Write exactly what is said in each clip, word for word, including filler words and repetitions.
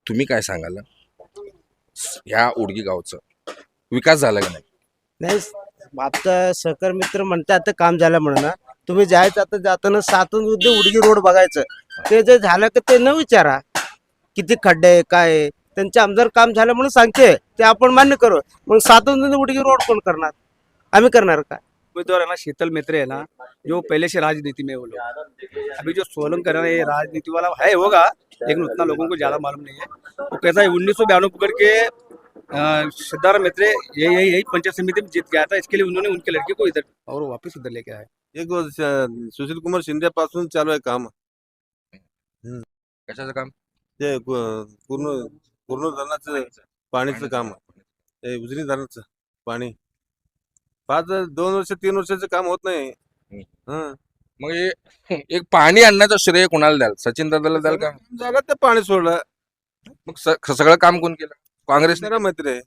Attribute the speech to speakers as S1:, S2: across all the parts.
S1: तुम्ही काय सांगाल ह्या उडगी गावचं विकास झाला का नाही?
S2: नाही आता सहकार मित्र म्हणते आता काम झालं म्हणून ना. तुम्ही जायचं आता जाताना सातून उद्या उडगी रोड बघायचं. ते जे झालं का ते न विचारा किती खड्डे आहे काय आहे. त्यांचे आमदार काम झालं म्हणून सांगते ते आपण मान्य करू. मग सातून उडगी रोड कोण करणार? आम्ही करणार का?
S3: उम्मीदवार है ना शीतल मित्र है ना, जो पहले से राजनीति में वो लोग। अभी जो सोलंकर है ना, ये राजनीति वाला है होगा, लेकिन उतना लोगों को ज्यादा मालूम नहीं है। वो कैसा है उन्नीस सौ बयानवे पकड़ के अ, सिद्धार्थ मित्र यही यही यही पंचायत समिति में जीत गया था। इसके लिए उन्होंने उनके लड़के को इधर और वापस इधर लेके आए।
S4: एक वर्ष सुशील कुमार शिंदे पासून चालू आहे काम.
S1: कशाचं काम?
S4: ते पू- पूर्ण पूर्ण धरणाचं पाणीचं काम आहे. उजनी धरणाचं पाणी पाच दोन वर्ष तीन वर्षाचं काम होत नाही. हं.
S1: मग हे एक पाणी आणण्याचं श्रेय कोणाला द्याल? सचिन दादाला द्याल का?
S4: झालं ते पाणी सोडलं.
S1: मग स- सगळं काम कोण केलं? काँग्रेस
S4: जरा मैत्री आहे.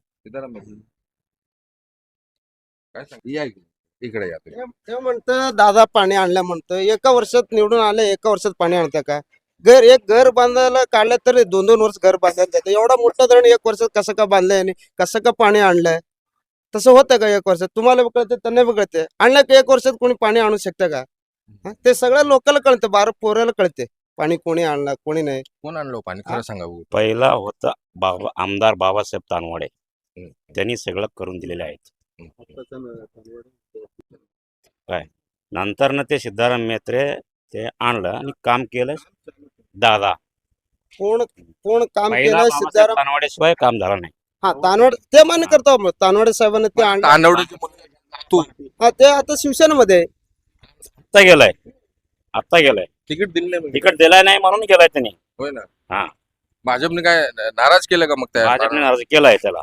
S1: काय सांग या इकडे. इकडे या तुम्ही.
S2: ते- ते म्हणतं दादा पाणी आणलं म्हणतं. एका वर्षात निवडून आले एका वर्षात पाणी आणतं का? घर एक घर बांधायला काढलं तर दोन दोन वर्ष घर बांधायला जातं. एवढा मोठा धरण एक वर्षात कसं का बांधलंय आणि कसं का पाणी आणलंय? तसं होतं का एक वर्षात? तुम्हाला बी कळते त्यांना बी कळते. आणलं की एक वर्षात कोणी पाणी आणू शकतं का? हं? ते सगळ्या लोकांना कळतं. बारा पोराला कळते पाणी कोणी आणलं कोणी नाही.
S1: कोण आणलं पाणी खरं सांगा बघू.
S5: पहिला होता बाबा आमदार बाबासाहेब तानवडे.
S1: हम्म.
S5: त्यांनी सगळं करून दिलेले आहेत.
S1: हम्म.
S5: काय नंतर ना ते सिद्धाराम मेत्रे ते आणलं आणि काम केलं दादा.
S2: कोण कोण काम
S5: पहिला
S2: केलं?
S5: बाबासाहेब
S2: सिद्धाराम
S5: तानवडेशिवाय काम झालं नाही.
S2: हा तानवड ते मान्य करतो मग. तानवडे साहेबांनी ते आणलं.
S1: तांदवडीचे मुलगा तू
S2: हा ते आता शिवसेनेमध्ये आहे.
S5: आता गेलाय आता गेलाय
S1: तिकीट दिलं नाही म्हणजे.
S5: तिकट दिलाय नाही म्हणून गेलाय त्यांनी.
S1: होय ना.
S5: हा.
S1: भाजपने काय नाराज केलं का मग त्या
S5: भाजपने अर्ज केलाय त्याला.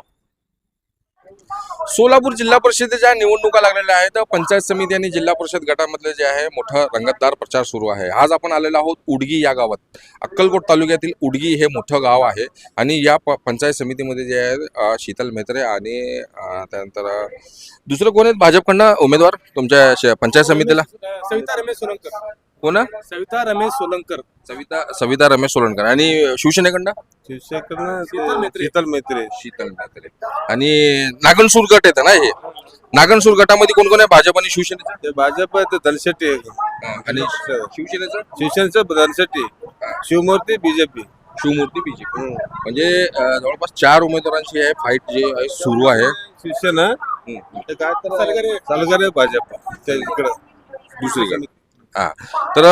S1: सोलापूर जिल्हा परिषदेच्या निवडणुका लागलेल्या आहेत. पंचायत समिती आणि जिल्हा परिषद गटामधले जे आहे मोठा रंगतदार प्रचार सुरू आहे. आज आपण आलेलो आहोत उडगी या गावात. अक्कलकोट तालुक्यातील उडगी हे मोठं गाव आहे आणि या प- पंचायत समितीमध्ये जे आहे अ, शीतल मेत्रे आणि अ, त्यानंतर अ, दुसरं कोण आहेत भाजपकडनं उमेदवार तुमच्या श- पंचायत समितीला?
S3: सविता रमेश सोलंकर.
S1: कोण?
S3: सविता रमेश सोलंकर.
S1: सविता सविता रमेश सोलनकर. आणि शिवसेनेकडनं
S4: शिवसेनेकडनं
S3: शीतल
S4: ते
S3: मेत्रे.
S4: शीतल मैत्री.
S1: शीतल मेत्रे. आणि नागनसूर गट येतं ना हे. नागनसूर गटामध्ये कोण कोण आहे भाजप आणि शिवसेनेचं?
S4: ते भाजप आहे ते धनशेट्टी आहे.
S1: आणि शिवसेनेचं
S4: शिवसेनेचं धनशेट्टी, शिवमूर्ती बीजेपी.
S1: शिवमूर्ती बीजेपी. म्हणजे अ, जवळपास चार उमेदवारांची आहे फाईट जे आहे सुरू आहे.
S4: शिवसेना
S1: हम्म.
S4: ते काय तर चालगरे भाजप त्या इकडं
S1: दुसरीकडे. हा तर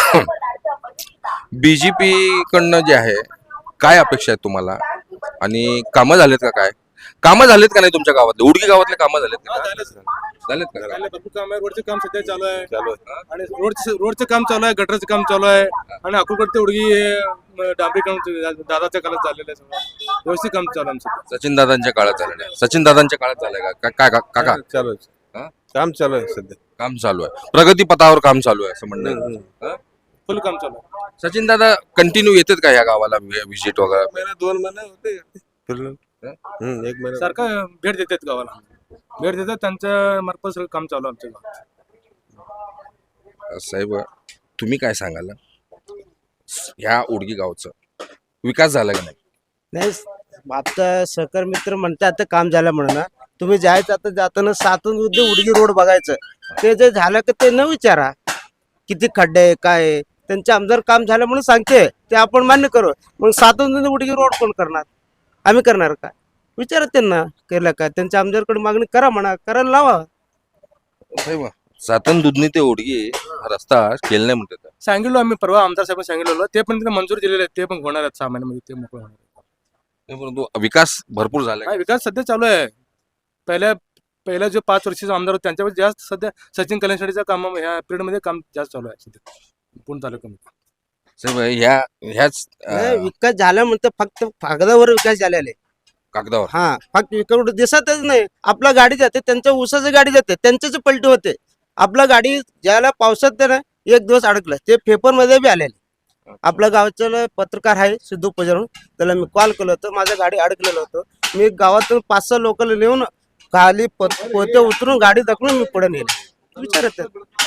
S1: बीजेपी कडनं जे आहे काय अपेक्षा आहेत तुम्हाला आणि कामं झालेत का? काय कामं झालेत का नाही तुमच्या गावातले? उडगी गावातले कामं झालेत का? झालेत का?
S3: भरपूर काम आहे. रोडचं काम सध्या चालू आहे.
S4: चालू आहे.
S3: आणि रोडचं रोडचं काम चालू आहे. गटरचं काम चालू आहे. आणि अकोलकडे उडगी हे डांबरी काम दादाच्या काळात चाललेलं आहे. सगळं व्यवस्थित काम चालू आहे आमचं.
S1: सचिन दादांच्या काळात झालेलं आहे. सचिन दादांच्या काळात झालंय का? का- काय का- काका
S4: चालू
S1: हा?
S4: आहे. काम चालू आहे सध्या.
S1: काम चालू आहे. प्रगती पथावर काम चालू आहे असं म्हणणं आहे. हा?
S3: फुल काम चालू आहे.
S1: सचिन दादा कंटिन्यू येतात का या गावाला व्हिजिट वगैरे?
S4: महिना दोन महिने होते फिरलो. हम्म, एक महिना
S3: सारखं भेट देतात गावाला. भेट देतात त्यांच्या मार्फत सगळं काम चालू आहे आमच्या गावात.
S1: साहेब तुम्ही काय सांगाल ह्या उडगी गावचं विकास झाला का नाही?
S2: नाही आता सहकार मित्र म्हणते आता काम झालं म्हणून ना. तुम्ही जायचं आता जाताना सातून उद्या उडगी रोड बघायचं. ते जे झालं का ते न विचारा किती खड्डे आहे काय आहे. त्यांचे आमदार काम झालं म्हणून सांगते ते आपण मान्य करू. मग सातून उडगी रोड कोण करणार? आम्ही करणार का? विचारा त्यांना केलं का? त्यांच्या आमदारकडे मागणी करा म्हणा. करायला लावा.
S1: साहेब सातन दुधनी ते उडगी हा रस्ता केला नाही म्हणतात.
S3: सांगितलो आम्ही परवा आमदार साहेब सांगितलेलं ते पण तिथे मंजूर दिलेले आहेत. ते पण होणार आहेत सहा महिन्यामध्ये ते मोकळं होणार आहेत.
S1: परंतु विकास भरपूर झाला
S3: हा, विकास सध्या चालू आहे. पहिल्या पहिल्या जो पाच वर्षाचे आमदार होते त्यांच्यावर जास्त सध्या सचिन कल्याणसाठीचं काम ह्या पिरियड मध्ये काम जास्त चालू आहे सध्या पूर्ण तालुक्यामध्ये.
S1: साहेब ह्या ह्याच
S2: नाही,
S1: अं,
S2: विकास झाला म्हणतं फक्त कागदावर विकास झालेला आहे.
S1: कागदावर
S2: हा फक्त विकास दिसतच नाही. आपला गाडी जाते त्यांच्या ऊसाची गाडी जाते त्यांच्याच पलटी होते. आपला गाडी ज्याला पावसात ते ना एक दिवस अडकलं ते पेपर मध्ये बी आलेले. आपल्या गावचं पत्रकार आहे सिद्धू पजारून त्याला मी कॉल केलं होतं. माझ्या गाडी अडकलेलं होतं. मी गावातून पाच सहा लोकांना नेऊन खाली पोते उतरून गाडी दाखवून मी पुढे नेली. विचारत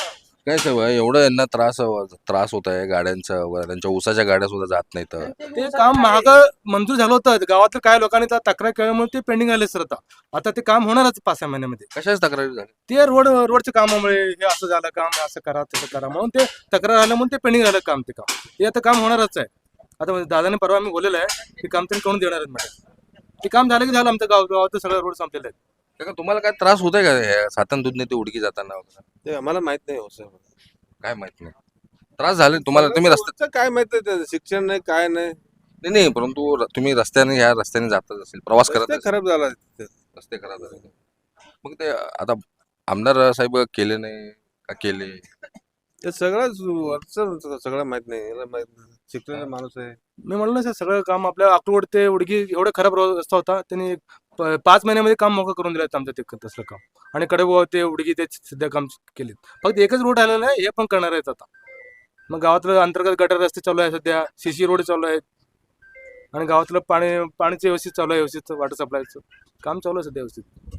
S1: काय साहेब एवढं यांना त्रास त्रास होत आहे गाड्यांचा वगैरे, त्यांच्या ऊसाच्या गाड्या सुद्धा जात नाहीत.
S6: ते काम महाग मंजूर झालं होतं गावातल्या काय लोकांनी तर तक्रार केल्यामुळे ते पेंडिंग आले सर. आता आता ते काम होणारच पाच सहा महिन्यामध्ये.
S1: कशाच तक्रारी झाली?
S6: ते रोड रोडच्या कामामुळे हे असं झालं काम, असं करा तसं करा म्हणून ते तक्रार आलं म्हणून ते पेंडिंग झालं काम. ते काम ते आता काम होणारच आहे. आता दादाने परवा आम्ही बोललेलं आहे की काम त्यांनी करून देणार आहेत मॅडम. ते काम झालं की झालं, आमचं गाव गावात सगळं रोड संपलेले आहेत.
S1: काका, तुम्हाला काय त्रास होत आहे का हे सातन दूधने ते उडकी जाताना वगैरे?
S4: ते आम्हाला माहित नाही हो सर.
S1: काय माहित नाही, त्रास झाले तुम्हाला? तुम्ही रस्त्यात
S4: रस्त्याचं काय माहित आहे, ते शिक्षण नाही काय नाही.
S1: नाही नाही परंतु र- तुम्ही रस्त्याने ह्या रस्त्याने जातच असेल, प्रवास करत
S4: रस्ते
S1: असेल.
S4: खराब झाला तिथे.
S1: रस्ते खराब झाले. मग ते आता आमदार साहेब केले नाही का केले?
S4: ते सगळंच वरचं सगळं माहित नाही, याला माहित नाही. शिकलेला माणूस आहे.
S6: मी म्हणलं ना सर, सगळं काम आपल्या अक्टोबर ते उडगी एवढं खराब रो- रस्ता होता. त्यांनी प- पाच महिन्यामध्ये काम मोकळं करून दिलं आमचं ते तसलं काम. आणि कडे ते उडगी ते सध्या काम केलेत. फक्त एकच रोड आलेला आहे, हे पण करणार आहेत आता. मग गावातलं अंतर्गत गटर रस्ते चालू आहे सध्या, सीसी रोड चालू आहेत. आणि गावातलं पाणी पाणीचं व्यवस्थित चालू आहे, व्यवस्थित वॉटर सप्लायचं काम चालू आहे सध्या व्यवस्थित.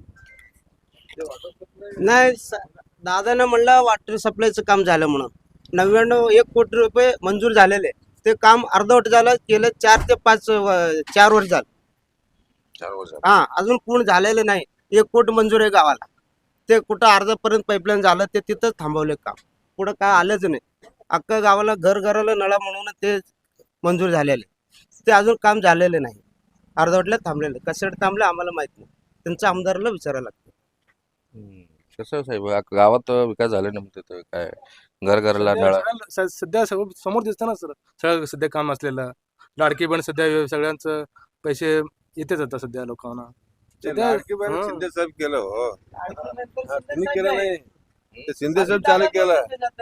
S2: नाही स- दादानं म्हणलं वॉटर सप्लायचं काम झालं म्हणून नव्याण्णव एक कोटी रुपये मंजूर झालेले. ते काम अर्धवट झालं, गेलं चार ते पाच व- चार वर्ष झालं.
S1: चार वर्ष
S2: हा अजून पूर्ण झालेलं नाही. एक कोटी मंजूर आहे गावाला. ते कुठं अर्धापर्यंत पाईपलाईन झालं, ते तिथंच थांबवले काम. पुढं काय आलंच नाही. अख्खा गावाला घर घराला नळा म्हणून ते मंजूर झालेले. ते अजून काम झालेलं नाही, अर्धवटल्या थांबलेलं. कशासाठी थांबले आम्हाला माहित नाही, त्यांचं आमदाराला विचारायला लागतं.
S1: कसं साहेब गा- गावात विकास झाले ना म्हणते तर काय घर घराला
S6: सध्या
S1: नळा?
S6: सगळ्या- स- सध्या समोर समोर दिसतं ना सर, सगळं सध्या काम असलेलं. लाडकी बहीण सध्या व्य- सगळ्यांचं पैसे येतेच आता सध्या लोकांना.
S4: ते
S6: सध्या-
S4: लाडकी बहीण
S6: हं.
S4: शिंदे साहेब केलं हो. हा, तुम्ही केलं नाही, ते शिंदे साहेब चालू केलं.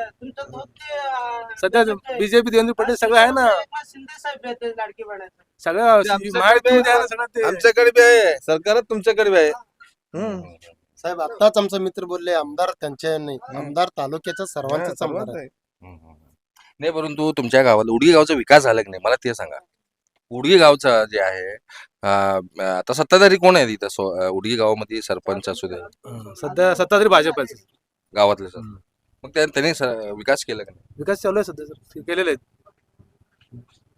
S6: सध्या बीजेपी देवेंद्र पटेल सगळं आहे ना, सगळं
S4: आमच्याकडे
S6: महायुतीमध्ये आहे ना सगळं ते.
S4: आमच्याकडे बी आहे, सरकारच तुमच्याकडे बी आहे. हं.
S7: साहेब आताच आमचा मित्र बोलले आमदार त्यांचे नाही, आमदार तालुक्याचा सर्वांचाच
S4: हा,
S7: आमदार
S4: सर्वांचं
S7: आहे.
S4: आहे.
S1: हम्म, हम्म. नाही परंतु तुमच्या गावात उडगी गावचा विकास झाला की नाही मला ते सांगा. उडगी गावचा जे आहे अं, आता सत्ताधारी कोण आहे तिथं सो- अं, उडगी गावामध्ये सरपंच असू दे
S6: हं, सध्या सत्ता तरी भाजप आहे सर.
S1: गावातले सर,
S6: हम्म.
S1: मग त्या- त्यांनी स- विकास केला का नाही?
S6: विकास चालू आहे सध्या सर, केलेले आहेत.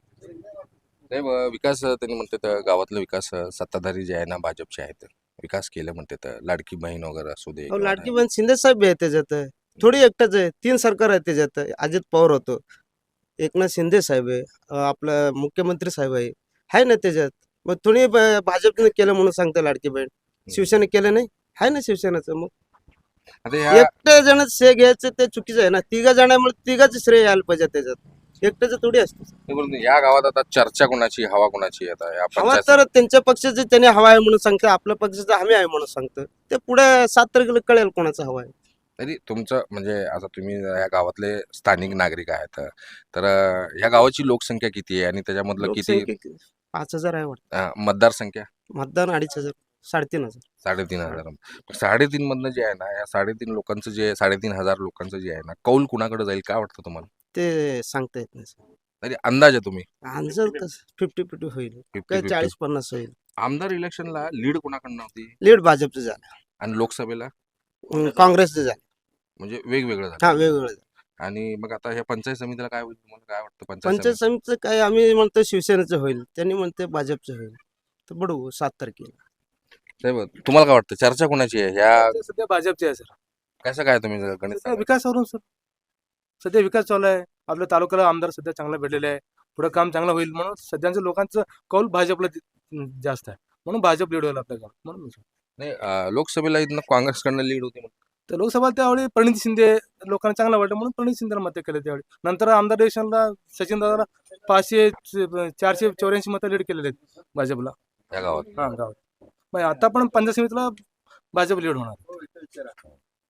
S1: नाही ब- विकास त्यांनी म्हणते तर गावातला विकास अं, सत्ताधारी जे आहे ना भाजपचे आहेत विकास केले म्हणते तर लाडकी बहीण वगैरे असू दे
S2: अहो,
S1: किंवा
S2: लाडकी बहीण शिंदे साहेब आहे त्याच्यात. थोडी एकटाच आहे, तीन सरकार आहे त्याच्यात. अजित पवार होतो, एकनाथ शिंदे साहेब आहे, अं, आपलं मुख्यमंत्री साहेब आहे आहे ना त्याच्यात. मग थोडी ब- भाजपने केलं म्हणून सांगते लाडकी बहीण. शिवसेने केलं नाही, आहे ना शिवसेनेचं. मग
S1: आता ह्या
S2: एकट्या जण श्रेय घ्यायचं ते चुकीचं आहे ना. तिघा जणांमुळे तिघाच श्रेय यायला पाहिजे त्याच्यात, एकट्याचं थोडी असतं.
S1: नाही, परंतु या गावात आता चर्चा कोणाची हवा कोणाची आता या
S2: हवा
S1: पंचायत
S2: तर त्यांच्या पक्षाचे त्याने हवा आहे म्हणून सांगतं, आपल्या पक्षाचं आम्ही आहे म्हणून सांगतं. ते पुढे सात तारखेला कळेल कोणाचा हवा आहे.
S1: तरी तुमचं म्हणजे आता तुम्ही या गावातले स्थानिक नागरिक आहेत तर अं, या गावाची लोकसंख्या किती आहे आणि त्याच्यामधलं किती
S2: लोकसंख्या किती? पाच हजार आहे वाटतं.
S1: अं, मतदारसंख्या?
S2: मतदान अडीच हजार, साडेतीन हजार.
S1: साडेतीन हजार. मग साडेतीन मधनं जे आहे ना या साडेतीन लोकांचं जे साडेतीन हजार लोकांचं जे आहे ना कौल कुणाकडे जाईल काय वाटतं तुम्हाला?
S2: ते सांगता येत नाही.
S1: तरी अंदाज आहे तुम्ही
S2: आन्सर फिफ्टी फिफ्टी होईल,
S1: फिफ्टी
S2: काय
S1: फिफ्टी
S2: चाळीस पन्नास होईल.
S1: आमदार इलेक्शनला लीड कोणाकडनं होती
S2: लीड भाजपचं झालं,
S1: आणि लोकसभेला
S2: अं, काँग्रेसचं झालं.
S1: म्हणजे वेगवेगळं
S2: हा
S1: झालं.
S2: वेगवेगळं झालं.
S1: आणि मग आता ह्या पंचायत समितीला काय होईल तुम्हाला काय वाटतं? पंचायत
S2: पंचायत समितीचं काय आम्ही म्हणतो शिवसेनेचं होईल, त्यांनी म्हणते भाजपचं होईल. तर बडू सात तारखेला.
S1: समिती? साहेब, तुम्हाला काय वाटतं चर्चा कोणाची आहे ह्या?
S6: ते सध्या भाजपचे आहे सर.
S1: कसं काय तुम्ही जरा गणित
S6: सध्या
S1: सांगा.
S6: विकासावरून सर, सध्या विकास चालू आहे. आपल्या तालुक्याला आमदार सध्या चांगला भेटलेले आहे. पुढे काम चांगलं होईल म्हणून सध्याच्या लोकांचं कौल भाजपला ति- जास्त आहे म्हणून भाजप लीड होईल आपल्या गावात म्हणून मी सांगतो.
S1: नाही अं, लोकसभेला इथनं काँग्रेसकडनं लीड होती म्हणून.
S6: तर लोकसभा त्यावेळी प्रणित शिंदे लोकांना चांगलं वाटलं म्हणून प्रणित शिंदेला मत केले त्यावेळी. नंतर आमदार इलेक्शनला सचिन दादाला पाचशे च- चारशे चौऱ्याऐंशी मतं लीड केलेले आहेत भाजपला.
S1: या गावात
S6: हा गावात मग आता पण पंचायत समितीला भाजप लीड होणार.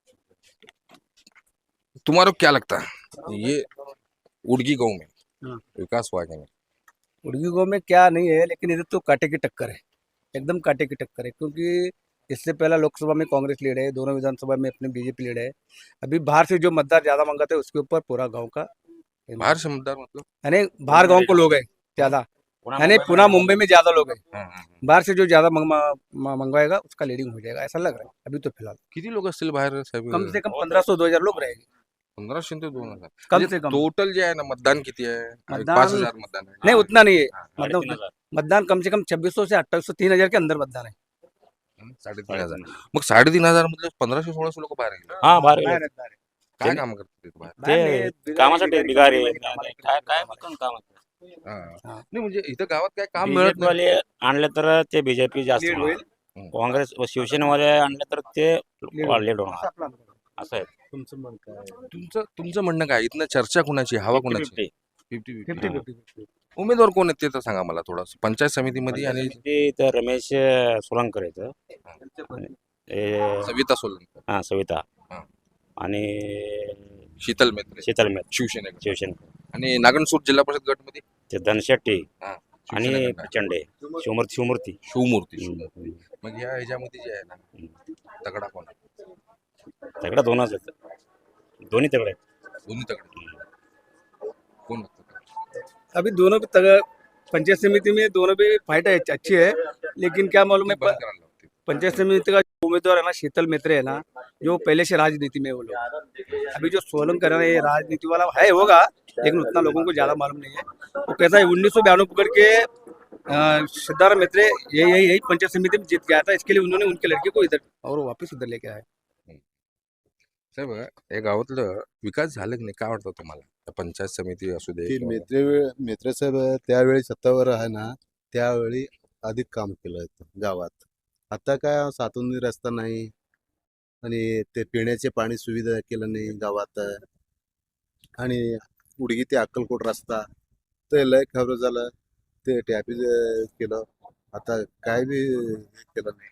S1: तुम्हारा क्या लगता है ये उड़गी गांव में
S3: हाँ।
S1: विकास हुआ कि नहीं?
S3: उड़गी गाँव में क्या नहीं है, लेकिन इधर तो कांटे की टक्कर है, एकदम कांटे की टक्कर है। क्योंकि इससे पहला लोकसभा में कांग्रेस लीड है, दोनों विधानसभा में अपने बीजेपी लीड है। अभी बाहर से जो मतदार ज़्यादा मंगाते हैं उसके ऊपर पूरा गांव का
S1: बाहर से मतदार मतलब
S3: यानी बाहर गांव को लोग हैं ज़्यादा, यानी पुणे मुंबई में ज़्यादा लोग हैं।
S1: हाँ, हाँ, हाँ.
S3: बाहर से जो ज़्यादा मंग, म- मंगवाएगा उसका लीडिंग हो जाएगा, ऐसा लग रहा है अभी तो फिलहाल।
S1: किती लोक असतील बाहेर साहेब?
S3: कम से कम पंद्रह सौ दो हजार लोग रहेंगे।
S1: पंधराशे ते दोन हजार
S3: कम से कम
S1: टोटल जे आहे ना मतदान किती आहे
S3: मतदान-
S1: पाच हजार मतदान आहे
S3: नहीं उतना नहीं है मतलब
S5: साडेतीन
S3: उतना-
S5: हजार.
S3: मतदान कम से कम छब्बीस सौ से अट्ठाईस सौ तीन हजार के अंदर मतदान है
S1: हं, साडेतीन हजार मग साडेतीन हजार मधले पंधराशे सोळाशे लोक बाहेर गेले
S5: हा बाहेर गेले.
S1: काय
S5: ते-
S1: काम करतात तिथे बाहेर
S5: ते कामासाठी बिगारी काय काय पण काम
S1: हा.
S3: हा.
S1: नाही म्हणजे इथं गावात काय काम मिळत
S5: बीजेपी
S1: नाही
S5: वाले आणले तर ते बीजेपी जास्त
S3: लीड
S5: होणार.
S3: होईल.
S5: काँग्रेस व शिवसेनेवाले आणले तर ते लीड होणार असं आहे
S7: तुमचं मन काय
S1: तुमचं तुमचं म्हणणं काय इथनं चर्चा कुणाची हवा कुणाची
S5: फिफ्टी
S1: फिफ्टी
S3: फिफ्टी
S5: हा.
S3: फिफ्टी
S1: उमेदवार कोण आहेत ते तर सांगा मला थोडं पंचायत समितीमध्ये आणि
S5: ते तर रमेश सोलंकर आहेत हे-
S1: सविता सोलंकर
S5: हा सविता
S1: हा.
S5: आणि
S1: शीतल मेत्रे
S5: शीतल मेत
S1: शिवसेना
S5: शिवसेना
S1: आणि नागणसूर जिल्हा परिषद गटमध्ये
S5: ते धनशेट्टी
S1: हा,
S5: आणि
S1: शिवसेनेकडनं.
S5: प्रचंडे शिवमूर्ती शिवमूर्ती
S1: शिवमूर्ती
S5: हम्म.
S1: शिवमूर्ती. मग ह्या ह्याच्यामध्ये जे आहे ना तगडा कोण आहे?
S5: तगडा दोनच आहेत दोन्ही तगडे आहेत.
S1: दोन्ही तगडे कोण लागतं?
S3: अभी दोनों भी तगड़ पंचायत समिति में दोनों भी फाइट है अच्छी है लेकिन क्या मालूम है
S1: बंद करायला लागते.
S3: पंचायत समिति का जो उम्मीदवार है ना शीतल मेत्रे है ना जो पहले से राजनीति में है वो लोग अभी जो सोलन कर रहे हैं ये राजनीति वाला है होगा लेकिन उतना लोगों को ज्यादा मालूम नहीं है वो कैसा है उन्नीस सौ बयानवे पकड़ के अ, सिद्धार्थ मेत्रे यही यही यही पंचायत समिति में जीत गया था इसके लिए उन्होंने उनके लड़के को इधर और वो वापस इधर लेके आए
S1: साहेब या गावातलं विकास झालं की नाही काय वाटतं तुम्हाला त्या पंचायत समिती असू दे
S8: की
S1: किंवा-
S8: मेत्रे मेत्रे साहेब त्यावेळी सत्तावर आहे ना त्यावेळी अधिक काम केलं होतं गावात आता काय सातून रस्ता नाही आणि ते पिण्याचे पाणी सुविधा केलं नाही गावात आणि उडगी ते अक्कलकोट रस्ता ते लय खबर झालं ते टॅपी केलं आता काय बी हे केलं नाही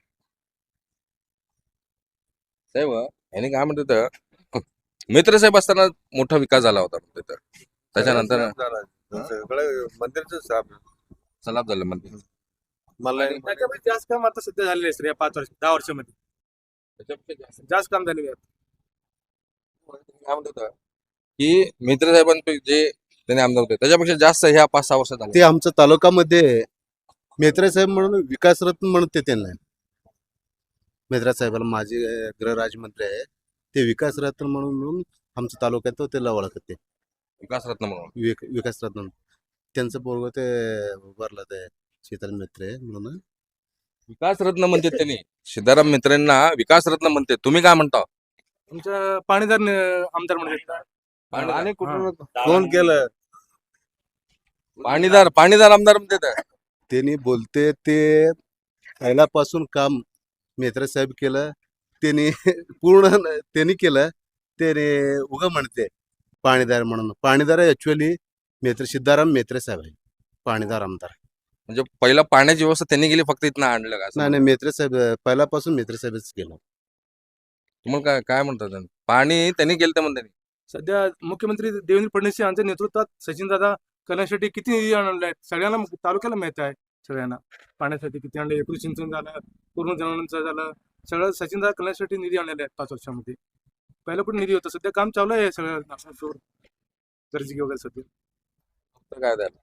S1: साहेब याने काय म्हणतात तर, मित्र साहेब असताना मोठा विकास झाला होता म्हणते तर त्याच्यानंतर
S4: सगळं मंदिरचं साहेब
S1: सलाब झालं म्हणते
S4: मला
S6: त्याच्यामध्ये जास्त काम आता सध्या झालेले आहे सर या पाच वर्ष दहा वर्षामध्ये
S1: त्याच्यापेक्षा जास्त
S6: जास्त काम झालेले आहे
S1: काय म्हणतात तर, की मित्र साहेबांपैकी जे त्याने आमदार होते त्याच्यापेक्षा जास्त ह्या पाच सहा वर्षात झाले
S8: ते आमच्या तालुक्यामध्ये मेत्रे साहेब म्हणून विकासरत्न म्हणते त्यांना मेत्रा साहेबाला माझे अं, गृहराज्यमंत्री आहे ते विकासरत्न म्हणून म्हणून आमच्या तालुक्यात त्याला ओळखते
S1: विकासरत्न म्हणून
S8: विक विकासरत्न त्यांचं पोरग ते उभारलं ते शीतल मेत्रे म्हणून
S1: विकासरत्न म्हणते त्यांनी सिद्धाराम मित्रांना विकासरत्न म्हणते तुम्ही काय म्हणता
S6: तुमच्या पाणीदार न- आमदार म्हणजे
S4: आणि कुठून कोण केलं
S1: पाणीदार पाणीदार आमदार म्हणते तर.
S8: त्यांनी बोलते ते पहिल्यापासून काम मेत्रे साहेब केलं त्यांनी पूर्ण न- त्यांनी केलं त्याने उगं म्हणते पाणीदार म्हणून पाणीदार ऍक्च्युअली मेत्रे सिद्धाराम मेत्रे साहेब आहे पाणीदार आमदार
S1: म्हणजे पहिला पाण्याची व्यवस्था त्यांनी केली फक्त इथनं आणलं का असं
S8: नाही नाही मेत्रे साहेब पहिल्यापासून मेत्रे साहेबच केलं
S1: तुम्हाला काय काय म्हणतात त्यांनी? पाणी त्यांनी केलं तर म्हणते
S6: सध्या मुख्यमंत्री देवेंद्र फडणवीस यांच्या नेतृत्वात सचिनदादा कल्याण शेट्टी किती निधी आणले आहेत सगळ्यांना तालुक्याला माहित आहे सगळ्यांना पाण्यासाठी किती आणले एकूण सिंचन झालं पूर्ण जनावरांचं झालं सगळं सचिनदादा कल्याण शेट्टी निधी आणलेले आहेत पाच वर्षामध्ये पहिलं कुठे निधी होता सध्या काम चालू आहे सगळं नागपूर गर्जी वगैरे सध्या
S1: तर काय द्यायला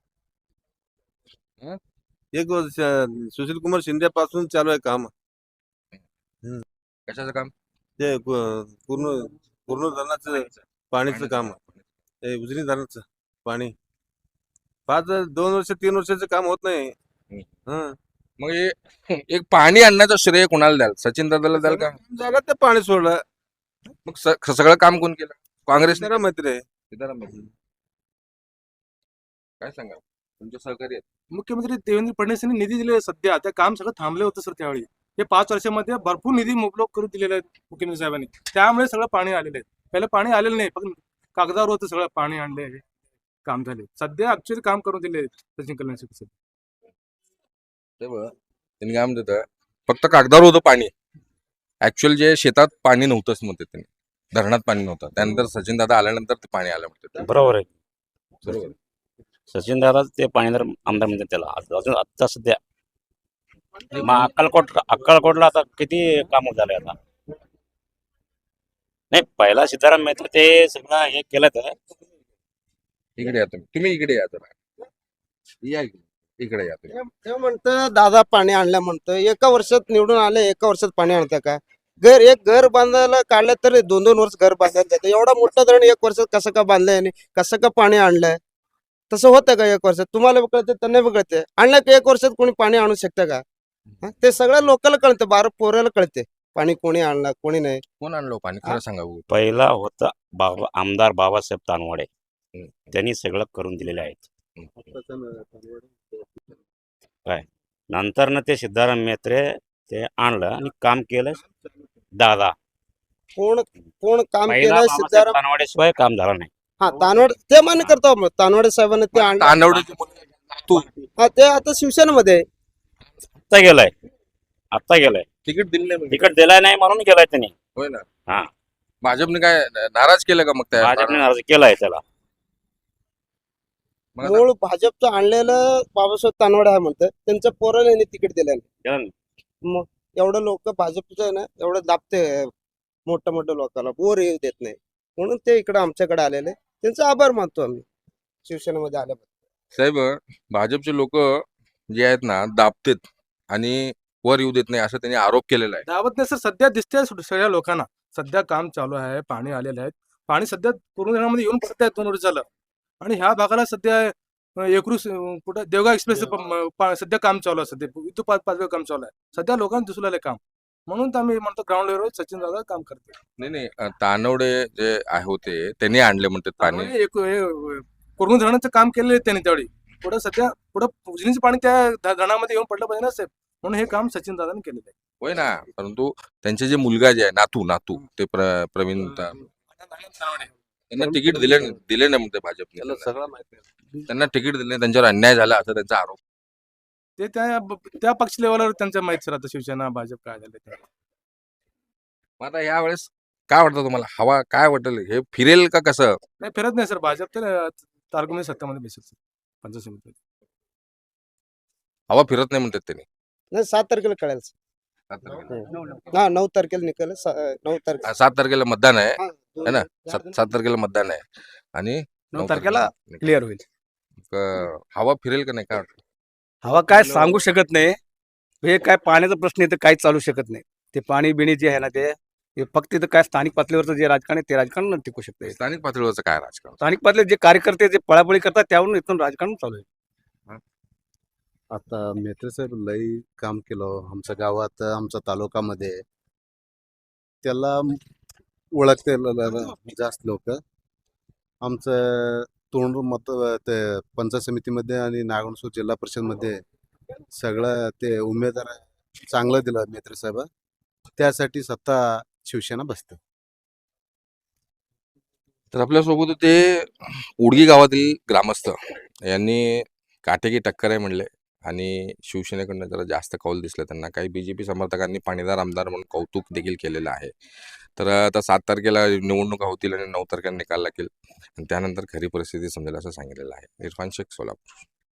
S4: एक वर्ष सुशील कुमार शिंदे पासून चालू आहे काम
S1: कशाचं काम
S4: ते पू- पूर्ण पूर्ण धरणाचं पाणीचं काम हे उजनी धरणाचं पाणी पाच दोन वर्ष तीन वर्षाचं काम होत नाही हं.
S1: मग हे एक पाणी आणण्याचं श्रेय कोणाला द्याल सचिन दादाला द्याल का
S4: झालं ते पाणी सोडलं
S1: मग स- सगळं काम कोण केलं काँग्रेस
S4: जरा मैत्री आहे.
S1: काय सांगा तुमचे सहकारी आहेत
S6: मुख्यमंत्री देवेंद्र फडणवीस यांनी निधी दिले सध्या त्या काम सगळं थांबले होतं सर त्यावेळी हे पाच वर्षामध्ये भरपूर निधी मुबलक करून दिलेले आहेत मुख्यमंत्री साहेबांनी त्यामुळे सगळं पाणी आलेलं आहे पहिलं पाणी आलेलं नाही फक्त कागदावर होतं सगळं पाणी आणले काम झाले सध्या ऍक्च्युअली काम करून दिले सचिन कल्याण शेट्टी
S1: ते बघ त्यांनी काय म्हणतात फक्त कागदावर होतं पाणी ऍक्च्युअल जे शेतात पाणी नव्हतंच म्हणते त्यांनी धरणात पाणी नव्हतं त्यानंतर सचिन दादा आल्यानंतर ते पाणी आलं म्हणते
S5: बरोबर आहे
S1: बरोबर
S5: सचिन दादा ते पाणीदार आमदार म्हणतात त्याला आज- अजून आता सध्या मग अक्कलकोट अक्कलकोटला आता किती काम झाले आता नाही पहिला सीताराम मेहता ते सगळं हे केलं तर
S1: इकडे या तुम्ही तुम्ही इकडे या जरा या इकडे. इकडे या तुम्ही
S2: ते म्हणतं दादा पाणी आणलं म्हणतं एका वर्षात निवडून आले एका वर्षात पाणी आणतं का घर एक घर बांधायला काढलं तर दोन दोन वर्ष घर बांधायला जातं. एवढा मोठा धरण एक वर्षात कसं का बांधलंय आणि कसं का पाणी आणलंय? तसं होतं का एक वर्षात? तुम्हाला बी कळते त्यांना बी कळते. आणलं की एक वर्षात कोणी पाणी आणू शकतं का? हा? ते सगळ्या लोकांना कळतं, बारा पोराला कळते पाणी कोणी आणलं कोणी नाही.
S1: कोण आणलं पाणी खरं सांगा बघू.
S5: पहिला होता बाबा आमदार बाबासाहेब तानवाडे,
S1: हम्म.
S5: त्यांनी सगळं करून दिलेले आहेत. काय नंतर ना ते सिद्धाराम मेत्रे ते आणलं आणि काम केलं दादा.
S2: कोण कोण काम
S5: पहिला
S2: केलंय
S5: बाबासाहेब
S2: सिद्धाराम?
S5: तानवाडेशिवाय काम झालं नाही.
S2: हा तानवड ते मान्य करतो आम्ही. तानवडे साहेबांनी ते आणलं.
S1: तांदवडीचे मुलगा नातू
S2: हा ते आता शिवसेनेमध्ये आहे.
S5: आत्ता गेलाय आत्ता गेलाय
S1: तिकीट दिलं नाही म्हणजे.
S5: तिकट दिलाय नाही म्हणून गेलाय त्यांनी.
S1: होय ना.
S5: हा.
S1: भाजपने काय नाराज केलं का मग त्या
S5: भाजपने अर्ज केलाय त्याला.
S1: मग आता-
S2: मूळ भाजपचं आणलेलं बाबासाहेब तानवडे आहे म्हणतात. त्यांच्या पोराला यांनी तिकीट दिलं नाही.
S5: केलं ना?
S2: मग एवढं लोक भाजपचं आहे ना, एवढं दाबते मोठ्या मोठ्या लोकांना, वर येऊ देत नाही. म्हणून ते इकडे आमच्याकडे आलेले. त्यांचा आभार मानतो आम्ही शिवसेनेमध्ये आल्याबद्दल.
S1: साहेब भाजपचे लोक जे आहेत ना दाबतेत आणि वर येऊ देत नाही असं त्यांनी आरोप केलेला आहे.
S6: दावत नाही सर, सध्या दिसते सगळ्या लोकांना. सध्या काम चालू आहे, पाणी आलेलं आहे. पाणी सध्या पूर्ण धरणामध्ये येऊन पडत आहे दोन वर्ष झालं. आणि ह्या भागाला सध्या अं, एकरूस अं, कुठं देवगाव एक्सप्रेस सध्या काम चालू आहे. सध्या इथं पाच पाचवे काम चालू आहे. सध्या लोकांना दिसू लागले काम. म्हणून तर आम्ही म्हणतो ग्राउंड लेवलवर सचिन दादा काम करते.
S1: नाही नाही अं, तानवडे जे आहे होते त्यांनी आणले म्हणतात पाणी.
S6: एक कोरगुण धरणाचं काम केलेलं आहे त्यांनी त्यावेळी. पुढं सध्या पुढं उजनीचं पाणी त्या ध- धरणामध्ये येऊन पडलं पाहिजे ना साहेब. म्हणून हे काम सचिन दादाने केलेलं आहे.
S1: होय ना. परंतु त्यांचे जे मुलगा जे आहे नातू नातू ते प्र- प्रवीण ता- त्यांना तिकीट दिले दिले नाही म्हणते भाजपने.
S4: त्याला
S1: त्यांना.
S4: सगळं माहिती आहे.
S1: त्यांना तिकीट दिले नाही, त्यांच्यावर अन्याय झाला असा त्यांचा आरोप.
S6: ते त्या त्या पक्ष लेवलवर त्यांच्या माहित सर आता शिवसेना भाजप काय झाले ते.
S1: मग आता यावेळेस काय वाटतं तुम्हाला? हवा काय वाटेल? हे फिरेल का कसं?
S6: नाही फिरत नाही सर, भाजप तर तारकुमी सत्तामध्ये बेसिक सर पंचायत समिती.
S1: हवा फिरत नाही म्हणतात त्यांनी.
S2: नाही सात तारखेला कळेल.
S1: सात तारखेला.
S2: हा नऊ तारखेला निकाल आहे. सा- नऊ तारखेला
S1: सात तारखेला मतदान आहे
S2: हा,
S1: है ना. सात सात तारखेला मतदान आहे आणि
S3: नऊ तारखेला क्लिअर होईल.
S1: क- हवा फिरेल का नाही काय वाटतं?
S3: हवा काय सांगू शकत नाही. हे काय पाण्याचा प्रश्न आहे तर काहीच चालू शकत नाही. ते पाणी बिणी जे आहे ना ते हे फक्त इथं काय स्थानिक पातळीवरचं जे राजकारण आहे ते राजकारण टिकू शकते.
S1: स्थानिक पातळीवरचं काय राजकारण?
S3: स्थानिक पातळीवर जे कार्यकर्ते जे पळापळी करतात त्यावरून इथून राजकारण चालू आहे.
S8: आता मेत्रे साहेब लई काम केलं आमच्या गावात, आमच्या तालुक्यामध्ये. त्याला ओळखते ल- ल- ल- जास्त लोक. आमचं तोंड मत ते पंचायत समितीमध्ये आणि नागणसूर जिल्हा परिषदमध्ये सगळं ते उमेदवार चांगलं दिलं मेत्रे साहेब. त्यासाठी सत्ता शिवसेना बसते.
S1: तर आपल्यासोबत होते उडगी गावातील ग्रामस्थ. यांनी काटेकी टक्कर आहे म्हणले आणि शिवसेनेकडनं जरा जास्त कौल दिसलं त्यांना. काही बीजेपी समर्थकांनी पाणीदार आमदार म्हणून कौतुक देखील केलेलं आहे. तर आता सात तारखेला निवडणुका होतील आणि नऊ तारखेला निकाल लागेल आणि त्यानंतर खरी परिस्थिती समजेल असं सांगितलेलं आहे. इरफान शेख, सोलापूर.